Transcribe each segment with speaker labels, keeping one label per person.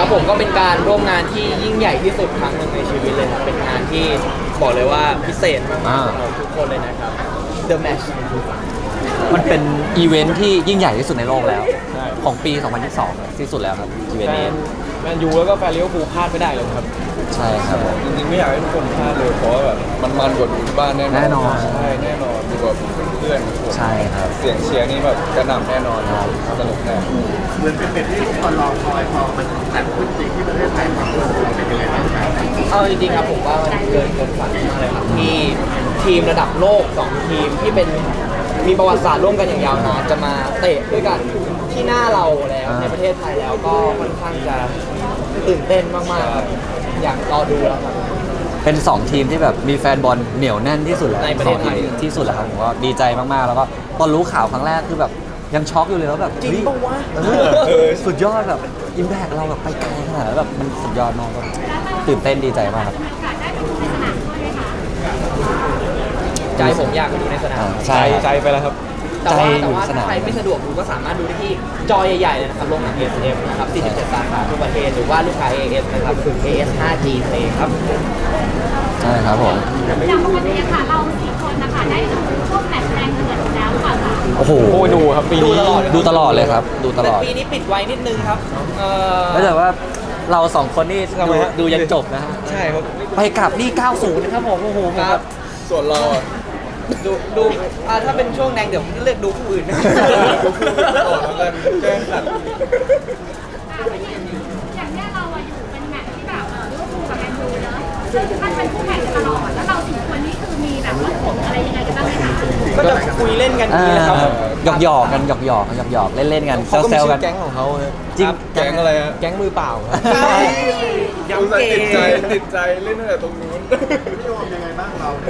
Speaker 1: ผมก็เป็นการร่วมงานที่ยิ่งใหญ่ที่สุดครั้งหนึ่งในชีวิตเลยครับเป็นงานที่บอกเลยว่าพิเศษมากๆสำหรับทุกคนเลยนะครับ The Match
Speaker 2: มันเป็นอีเวนท์ที่ยิ่งใหญ่ที่สุดในโลกแล้วของปี 2022 ที่สุดแล้วครับอีเวนต์นี้
Speaker 3: แมนยูแล้วก็แฟนลิเวอร์พูลพลาดไม่ได้เลยครับ
Speaker 2: ใช่ครับผม
Speaker 4: จริงๆไม่อยากให้ทุกคนพลาดเลยเพราะว่าแบบมันกว่าดูที่บ้านแน่นอน
Speaker 2: แน่นอน
Speaker 4: ใช่แน่นอนดูแบบเพื่อนๆ
Speaker 2: ใช่ครับ
Speaker 4: เสียงเชียร์นี่แบบกระหน่ำแน่นอนสนุกแน่
Speaker 5: เหมือนเป็นที่ทุกคนรอคอยพอมันจัดขึ้นจริงที่ประเทศไทยความรู้สึกเราเป็นยังไงบ้างครับ
Speaker 1: เอาจริงๆครับผมว่ามันเกินฝันมากเลยครับที่ทีมระดับโลก2ทีมที่เป็นมีประวัติศาสตร์ร่วมกันอย่างยาวนานจะมาเตะด้วยกันที่หน้าเราแล้วในประเทศไทยแล้วก็ค่อนข้างจะตื่นเต้นมากๆครับอยากรอดูแล้วครับ
Speaker 2: เป็น 2 ทีมที่แบบมีแฟนบอลเหนียวแน่นที่สุดแล้ว
Speaker 1: ในประเทศไทย
Speaker 2: สองทีมที่สุดแล้วครับผมก็ดีใจมากๆ แล้วก็ตอนรู้ข่าวครั้งแรกคือแบบยังช็อกอยู่เลยว่าแบบ
Speaker 1: จริงปะวะ
Speaker 2: สุดยอดแบบอิมแพกเราแบบไปไกลขนาดนั้นแบบมันสุดยอดมากก็ตื่นเต้นดีใจมากครับ
Speaker 1: ใจผมอยากไปดูในสนาม
Speaker 2: ใช่
Speaker 3: ใจไปแล้วครับ
Speaker 1: แต่ว่า
Speaker 2: ใจอยู่
Speaker 1: ถ้า
Speaker 2: สนาม
Speaker 1: ใครไม่สะดวกดูก็สามารถดูได้ที่จอใหญ่ๆเลยนะครับโรงหนัง ASM นะครับ47สาขาทั่วประเทศหรือว่าลูกค้า AS นะครับคือ AS 5G นั่นเองครับ
Speaker 2: ใช่ครับผม
Speaker 6: อย่างปกติอะค่ะเราสี่คนนะคะได้ดูช่วงแมตช์แรงเดือดแล้วค่ะ
Speaker 2: โอ้โห
Speaker 3: โอ้ยดูครับปีนี้
Speaker 2: ดูตลอดเลยครับ ดูตล
Speaker 1: แต่
Speaker 2: อด
Speaker 1: ปีนี้ปิดไว้นิดนึงครับ
Speaker 2: แล้วแต่ว่าเรา2 คนนี่
Speaker 3: ทำไมฮะ
Speaker 2: ดูยันจบนะฮะ
Speaker 3: ใช่ครับ
Speaker 2: ไปกลับนี่ 90 นะครับผมโอ้โหผม
Speaker 1: ค
Speaker 2: แบ
Speaker 1: รับบ
Speaker 4: ส่วนเราอ่ะ
Speaker 1: ดูถ้าเป็นช่วงแดงเดี๋ยวผมจะเลือกดูผู้อื่นนะ
Speaker 4: ต่อแล้วกันแกล้งขัด
Speaker 6: อย่างเนี้ยเราอะอยู่เป็นแมตช์ที่แบบลิเวอร์พูลกับแมนยูเนอะซึ่งมันเป็นคู่แข่งกันตลอดแล้วเราสี่คนนี่คือมีแบบว่าผลอะไรยังไงกันบ้างไหมคะ
Speaker 1: ก็จะคุยเล่นกันอย่างนี้แหละครับ
Speaker 2: หยอกๆกันหยอกๆเล่นๆกัน
Speaker 3: เขาก็
Speaker 2: แซ
Speaker 3: มี
Speaker 2: วๆ
Speaker 3: ชื่
Speaker 2: กั
Speaker 3: อน แก๊งของเขาฮะ
Speaker 2: จริง
Speaker 4: แก๊งอะไรฮะ
Speaker 3: แก๊งมือเปล่าครับ
Speaker 1: ย้ำ
Speaker 4: อุตส่าห์
Speaker 1: เก
Speaker 4: ติดใจ
Speaker 1: ม
Speaker 4: ติดใจเล่นตั้งแต่ตรงนู้น
Speaker 5: พี่โอมยังไงบ้างเรา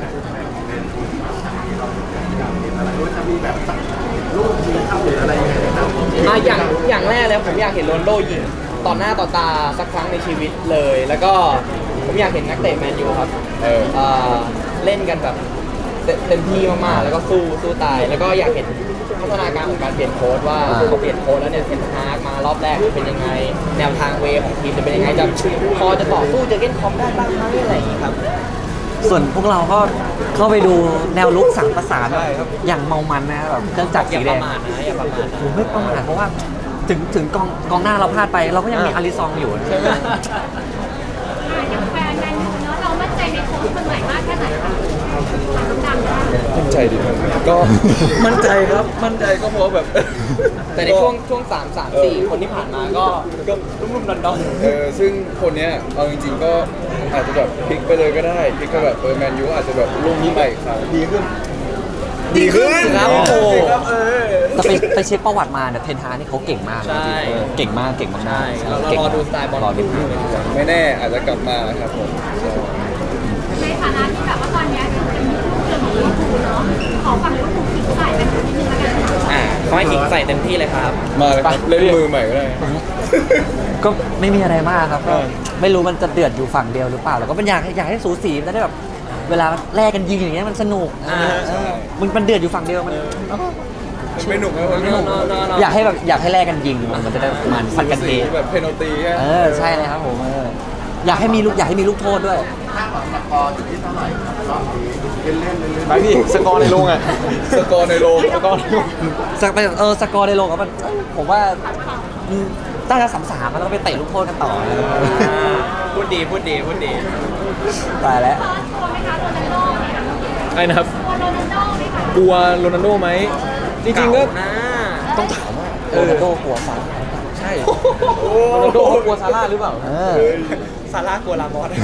Speaker 5: อะไรรู้จะมีแบบรูปทีเข้าหรืออะไรยังไงครับ
Speaker 1: อย่างแรกเลยผมอยากเห็นโรนลโดยิงต่อหน้าต่อตาสักครั้งในชีวิตเลย แล้วก็ผมอยากเห็นนักเตะแมนยูครับ
Speaker 4: เออ
Speaker 1: เล่นกันแบบเต็มที่มากๆแล้วก็สู้ตาย แล้วก็อยากเห็นพัฒนาการของการเปลี่ยนโค้ดว่าเขาเปลี่ยนโค้ดแล้วเนี่ยเทนฮากมารอบแรกเป็นยังไง แนวทางเวของทีมจะเป็นยังไงจะพอจะต่อสู้เจอเก้นคอมได้บ้างไหมอะไรอย่างนี้ครับ
Speaker 2: ส่วนพวกเราก็เข้าไปดูแนวลุกสั่งประสาน
Speaker 3: ใช่ครับ
Speaker 2: อย่างเมามันนะครับแบบเครื่องจักร
Speaker 1: อ
Speaker 2: สี
Speaker 1: ย่า
Speaker 2: แด
Speaker 1: ประ
Speaker 2: ง
Speaker 1: มาทนะอย่าประมาทนะ
Speaker 2: ผมไม่ประมาทเพราะว่าถึงกองหน้าเราพลาดไป เราก็ยังมีอาริซองอยู่ใช่ไหม
Speaker 6: อย่างแฟนแมนยูเนอะเรามั่นใจในโค้ชคนใหม่มากแค่ไหนคะดังๆนะ
Speaker 4: มั่นใจดีครับก็มั่นใจครับมั่นใจก็เพราะแบบ
Speaker 1: แต่ในช่วง3-4 คนที่ผ่านมาก็รุ่มๆดอนๆ
Speaker 4: ซึ่งคนเนี้ยเอาจริงๆก็อาจจะแบบพลิกไปเลยก็ได้พลิกก็แบบแมนยูอาจจะแบบลุ่มนี้ไปอีกครั้งดีขึ้น
Speaker 1: ครับ
Speaker 4: โอ้
Speaker 1: โอ้
Speaker 4: โหครับ
Speaker 2: แต่ไปเช็คประวัติมาเนี่ยเทนฮากนี่เขาเก่งมาก
Speaker 1: ใช่
Speaker 2: เก่งมากเก่งมาก
Speaker 1: ใช่
Speaker 2: ๆ
Speaker 1: เรา
Speaker 2: ก่ง
Speaker 1: รอดูสไตล์บอล
Speaker 2: รอดู
Speaker 4: ไม่แน่อาจจะกลับมาครับผม
Speaker 6: ในฐานะที่แบบว่าตอนเนี้ยเป็นเรื่องของลิเวอร์พูลเนาะขอฝั่งลิเวอร์พูลขิงใส่กันนิดนึงแล้วกันค่ะ
Speaker 1: ขอให้ขิงใส่เต็มที่เลยครับ
Speaker 4: มาเลยครับเล่นมือใหม่ก็ได้
Speaker 2: ก็ไม่มีอะไรมากครับก็ไม่รู้มันจะเดือดอยู่ฝั่งเดียวหรือเปล่าแล้วก็เป็นอยากให้สูสีมันจะได้แบบเวลาแลกกันยิงอย่างเงี้ยมันสนุก
Speaker 4: ใช่
Speaker 2: มันเดือดอยู่ฝั่งเดียวมัน
Speaker 4: ไม่หนุกนะไม่หนุก
Speaker 2: อยากให้แลกกันยิงมันจะได้มันสัดกันเอง
Speaker 4: แบบเพนอลตีแค่
Speaker 2: ใช่เลยครับผมอยากให้มีลูกโทษด้วย
Speaker 5: ถ้าบอกสกอร์อยู่ที่เท่าไหร่รอบนี้เล่น
Speaker 3: ไปพี่สกอร์ในโรงอ่ะ
Speaker 4: สกอร์ในโรง
Speaker 3: สกอร์ในโรง
Speaker 2: สกอร์ในโลกอะมันผมว่าตั้งแต่3-3แล้วก็ไปเตะลูกโทษกันต่อ
Speaker 1: พูดดี
Speaker 2: ตายแล้ว
Speaker 6: เฟิร์สกลัวไหมคะโรนัลโดเนี่ย
Speaker 3: ไอ้นะครับ
Speaker 6: กลัวโรนัลโดไหมคะ
Speaker 3: กลัวโรนัลโดไหมจริงๆก็
Speaker 1: นะ
Speaker 3: ต้องถามว่า
Speaker 2: โรนัลโดกลัวฟัน
Speaker 3: ใช่โรนัลโดเขากลัวซาร่าหรือเปล่า
Speaker 1: ซาร่ากลัวลามอส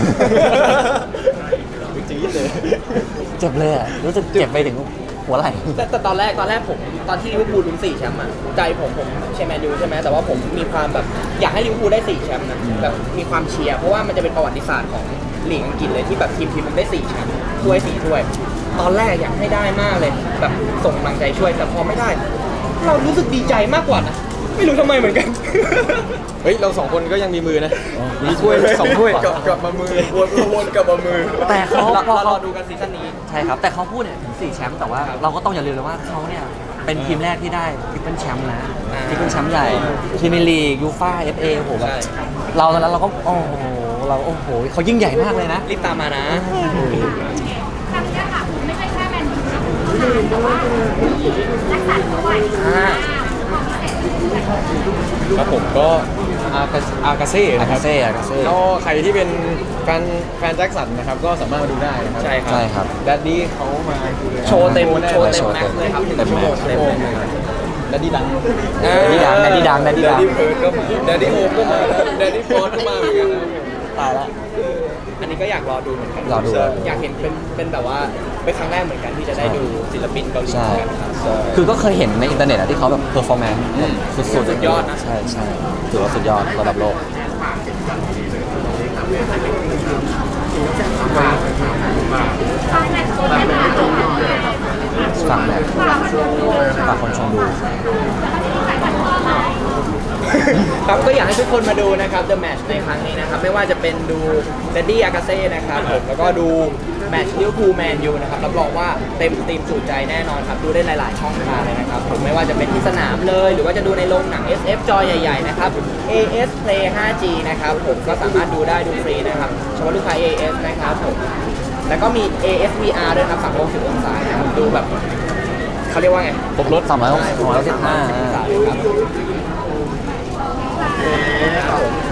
Speaker 3: จี๊ดเลย
Speaker 2: เจ็บเลยอะรู้สึกเจ็บไปถึงหัวไหล่
Speaker 1: แต่ตอนแรกผมตอนที่ลิเวอร์พูลลุ้น4 แชมป์อะใจผมเชียร์แมนยูใช่ไหมแต่ว่าผมมีความแบบอยากให้ลิเวอร์พูลได้4 แชมป์นะแบบมีความเชียร์เพราะว่ามันจะเป็นประวัติศาสตร์ของลีกอังกฤษเลยที่แบบทีมมันได้4 แชมป์ถ้วย4 ถ้วย ตอนแรกอยากให้ได้มากเลยแบบส่งกำลังใจช่วยแต่พอไม่ได้ เรารู้สึกดีใจมากกว่านะไม่รู้ทำไมเหมือนกัน
Speaker 3: เฮ้ยเรา2 คนก็ยังมีมือนะมีถ้วย2 ถ้วย
Speaker 4: กลับมามือวนกลับมามือ
Speaker 2: แต่เขาพอ
Speaker 1: รอ
Speaker 2: เขา
Speaker 1: ดูกันซีซั่นนี้
Speaker 2: ใช่ครับแต่เขาพูดเนี่ยถึง4 แชมป์แต่ว่าเราก็ต้องอย่าลืมเลยว่าเขาเนี่ยเป็นทีมแรกที่ได้ทริปเปิลแชมป์นะทริปเปิลแชมป์ใหญ่พรีเมียร์ลีกยูฟ่าFA โอ้โหแบบเราตอนนั้นเราก็โอ้โหเขายิ่งใหญ่มากเลยนะ
Speaker 1: รีบตามมานะ
Speaker 6: ครั้งนี้ค่ะคุณไม่ใช่แค่แมนยูนะคุณแต่ว่ามีนักสัตว์ด้วยความพิเศษ
Speaker 3: ครับผมก็อากาเซ่นะครับ
Speaker 2: อากาเซ่
Speaker 3: ก็ใครที่เป็นแฟนแจ็คสันนะครับก็สามารถมาดูได้นะครับ
Speaker 1: ใช่ครับ
Speaker 2: ใช่ครับ
Speaker 3: แดดดี้เขามา
Speaker 1: โชว์เต็ม
Speaker 3: แน่
Speaker 1: โชว์เต็มแม็กซ์เลยครับ
Speaker 2: เต็ม
Speaker 1: 1 ชั่วโมงเต็ม
Speaker 3: แดดดี้ดัง
Speaker 2: แดดดี้ดัง
Speaker 4: แดดดี้เพิร์ดก็มาแดดดี้โอมก็มาแดดดี้ฟอสก็มาเหมือนกันนะ
Speaker 2: ตายแล้ว
Speaker 1: อันนี้ก็อยากรอดูเหมือนกัน
Speaker 2: รอดู
Speaker 1: อยากเห็นเป็นแบบว่าเป็นครั้งแรกเหมือนกันที่จะได้ดูศิลปินเกาหลี
Speaker 2: ใช่
Speaker 1: เหมือนกันครับ
Speaker 2: คือก็เคยเห็นในอินเทอร์เน็ตอะที่เขาแบบเพอร์ฟอร์แมนซ์สุดๆ
Speaker 1: สุดยอดนะ
Speaker 2: ใช่ถือว่าสุดยอดระดับโลกฝากแหละฝากคนชมดู
Speaker 1: ครับก็อยากให้ทุกคนมาดูนะครับ The Match ในครั้งนี้นะครับ ไม่ว่าจะเป็นดู Daddy Agase นะครับผมแล้วก็ดูแมตช์ลิเวอร์พูลแมนยูนะครับรับรองว่าเต็มตีมจุใจแน่นอนครับ ดูได้หลาย ๆ ช่องทางเลยนะครับผมไม่ว่าจะเป็นที่สนามเลย หรือว่าจะดูในโรงหนัง SF จอใหญ่ ๆ นะครับ AS Play 5G นะครับผมก็สามารถดูได้ดูฟรีนะครับเฉพาะลูกค้า AS นะครับผมแล้วก็มี AS VR ด้วยครับ360 องศานะครับดูแบบเขาเรียกว่าไง
Speaker 2: ครบรถ365
Speaker 1: 365องศาเลยครับ